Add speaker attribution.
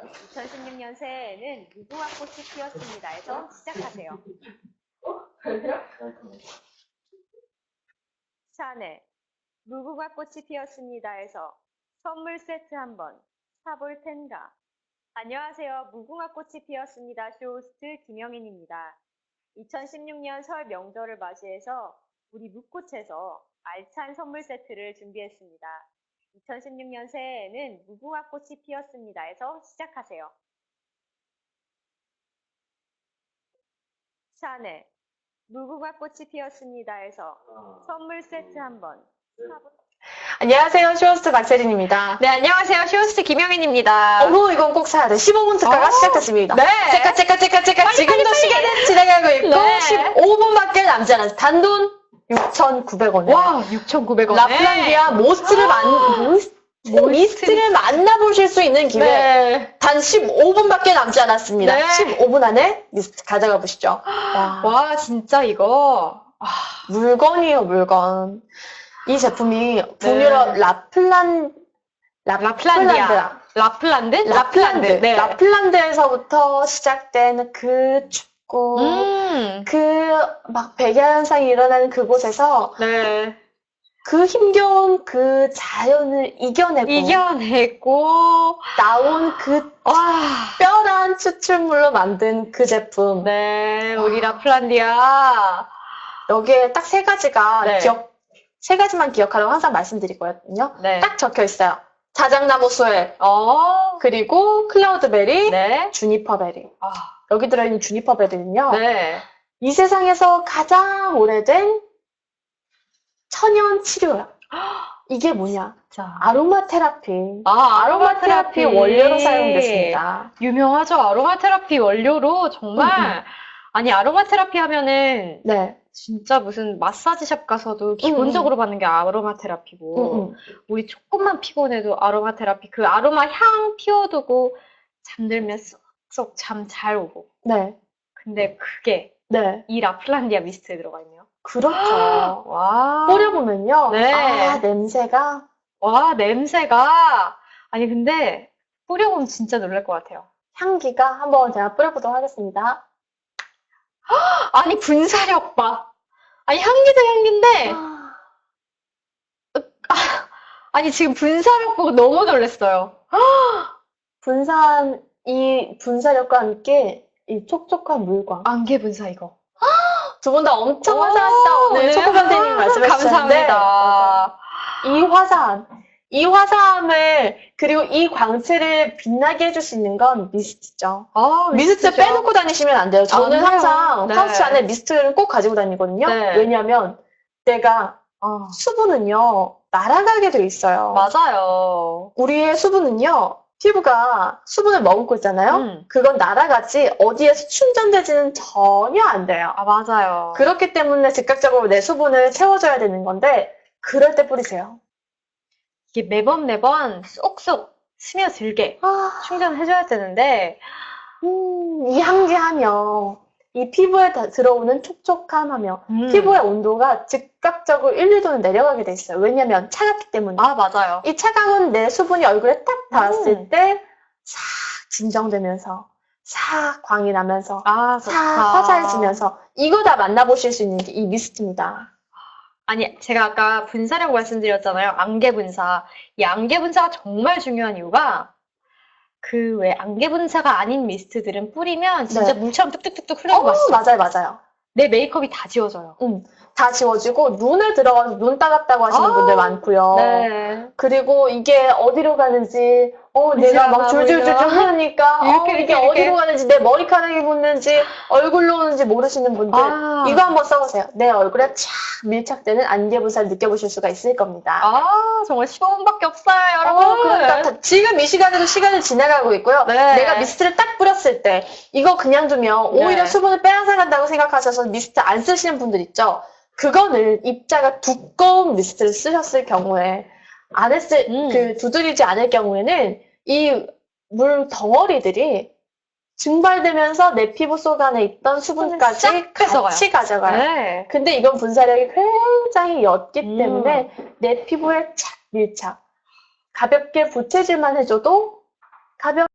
Speaker 1: 2016년 새해에는 무궁화 꽃이 피었습니다에서 시작하세요. 샤넬, 무궁화 꽃이 피었습니다에서 선물 세트 한번 사볼 텐가. 안녕하세요. 무궁화 꽃이 피었습니다. 쇼호스트 김영인입니다. 2016년 설 명절을 맞이해서 우리 묵꽃에서 알찬 선물 세트를 준비했습니다. 2016년 새해에는 무궁화 꽃이 피었습니다에서 시작하세요. 샤넬, 무궁화 꽃이 피었습니다에서 선물 세트 한번 사볼.
Speaker 2: 안녕하세요. 쇼호스트 박세린입니다.
Speaker 3: 네, 안녕하세요. 쇼호스트 김영인입니다.
Speaker 2: 어머, 이건 꼭 사야 돼. 15분 특가가 시작했습니다.
Speaker 3: 네.
Speaker 2: 체카. 지금도 시간은 진행하고 있고,
Speaker 3: 네.
Speaker 2: 15분밖에 남지 않았어요. 단돈 6,900원.
Speaker 3: 와, 6,900원.
Speaker 2: 라플란디아 미스트를 만나보실 수 있는 기회.
Speaker 3: 네.
Speaker 2: 단 15분밖에 남지 않았습니다.
Speaker 3: 네.
Speaker 2: 15분 안에 미스트 가져가 보시죠.
Speaker 3: 와, 진짜 이거.
Speaker 2: 물건이에요, 물건. 이 제품이 북유럽
Speaker 3: 라플란디아. 라플란드? 네.
Speaker 2: 라플란드에서부터 시작된 그 춥고, 막 백야현상이 일어나는 그곳에서
Speaker 3: 네.
Speaker 2: 그 힘겨운 그 자연을 이겨내고 나온 그 특별한 추출물로 만든 그 제품.
Speaker 3: 네, 우리 라플란디아.
Speaker 2: 여기에 딱 세 가지가
Speaker 3: 네.
Speaker 2: 세 가지만 기억하라고 항상 말씀드리거든요.
Speaker 3: 네.
Speaker 2: 딱 적혀 있어요. 자작나무 소엘, 그리고 클라우드베리,
Speaker 3: 네.
Speaker 2: 주니퍼베리. 여기 들어있는 주니퍼베리는요.
Speaker 3: 네.
Speaker 2: 이 세상에서 가장 오래된 천연 치료야. 이게 뭐냐?
Speaker 3: 자.
Speaker 2: 아로마 테라피.
Speaker 3: 아로마
Speaker 2: 테라피 원료로 사용됐습니다.
Speaker 3: 유명하죠. 아로마 테라피 원료로 정말. 아니, 아로마 테라피 하면은
Speaker 2: 네.
Speaker 3: 진짜 무슨 마사지샵 가서도 기본적으로 받는 게 아로마 테라피고, 우리 조금만 피곤해도 아로마 테라피, 그 아로마 향 피워두고 잠들면 쏙쏙 잠 잘 오고.
Speaker 2: 네.
Speaker 3: 근데 그게
Speaker 2: 네.
Speaker 3: 이 라플란디아 미스트에 들어가 있네요.
Speaker 2: 그렇죠.
Speaker 3: 와.
Speaker 2: 뿌려보면요.
Speaker 3: 네.
Speaker 2: 냄새가.
Speaker 3: 와, 냄새가. 아니, 근데 뿌려보면 진짜 놀랄 것 같아요.
Speaker 2: 향기가 한번 제가 뿌려보도록 하겠습니다.
Speaker 3: 아니, 분사력 봐. 아니, 향기도 향기인데, 아니, 지금 분사력 보고 너무 놀랐어요.
Speaker 2: 이 분사력과 함께 이 촉촉한 물광.
Speaker 3: 안개 분사 이거.
Speaker 2: 두 분 다 엄청 화사하시다. 오늘 초코 선생님이 말씀해주셨는데.
Speaker 3: 감사합니다.
Speaker 2: 이 화사함을, 그리고 이 광채를 빛나게 해줄 수 있는 건 미스트죠. 미스트 빼놓고 다니시면 안 돼요. 저는 항상 파우치 안에 미스트를 꼭 가지고 다니거든요.
Speaker 3: 네.
Speaker 2: 왜냐하면 내가 수분은요, 날아가게 돼 있어요.
Speaker 3: 맞아요.
Speaker 2: 우리의 수분은요, 피부가 수분을 머금고 있잖아요. 그건 날아가지 어디에서 충전되지는 전혀 안 돼요.
Speaker 3: 맞아요.
Speaker 2: 그렇기 때문에 즉각적으로 내 수분을 채워줘야 되는 건데 그럴 때 뿌리세요.
Speaker 3: 이게 매번 쏙쏙 스며들게 충전해줘야 되는데,
Speaker 2: 이 향기하며 이 피부에 들어오는 촉촉함하며 피부의 온도가 즉각적으로 1, 2도는 내려가게 돼 있어요. 왜냐면 차갑기 때문에.
Speaker 3: 맞아요.
Speaker 2: 이 차가운 내 수분이 얼굴에 딱 닿았을 때 싹 진정되면서 싹 광이 나면서 싹 화사해지면서 이거 다 만나보실 수 있는 게 이 미스트입니다.
Speaker 3: 아니, 제가 아까 분사라고 말씀드렸잖아요. 안개 분사. 이 안개 분사가 정말 중요한 이유가 그 왜 안개 분사가 아닌 미스트들은 뿌리면 진짜 물처럼 뚝뚝뚝뚝 흐르는 거 맞죠?
Speaker 2: 맞아요.
Speaker 3: 내 메이크업이 다 지워져요.
Speaker 2: 다 지워지고 눈에 들어가서 눈 따갑다고 하시는 분들 많고요.
Speaker 3: 네.
Speaker 2: 그리고 이게 어디로 가는지 내가 막 줄줄줄 흐르니까 이게 어디로 가는지 내 머리카락이 묻는지 얼굴로 오는지 모르시는 분들 이거 한번 써보세요. 내 얼굴에 촥 밀착되는 안개 분사를 느껴보실 수가 있을 겁니다.
Speaker 3: 정말 15분밖에 없어요, 여러분.
Speaker 2: 그러니까 지금 이 시간에도 시간이 지나가고 있고요.
Speaker 3: 네.
Speaker 2: 내가 미스트를 딱 뿌렸을 때 이거 그냥 두면 오히려 수분을 빼앗아간다고 생각하셔서 미스트 안 쓰시는 분들 있죠. 그거는 입자가 두꺼운 미스트를 쓰셨을 경우에 안에 두드리지 않을 경우에는 이 물 덩어리들이 증발되면서 내 피부 속 안에 있던 수분까지 같이 가져가요.
Speaker 3: 네.
Speaker 2: 근데 이건 분사력이 굉장히 옅기 때문에 내 피부에 착 밀착. 가볍게 부채질만 해줘도 가볍게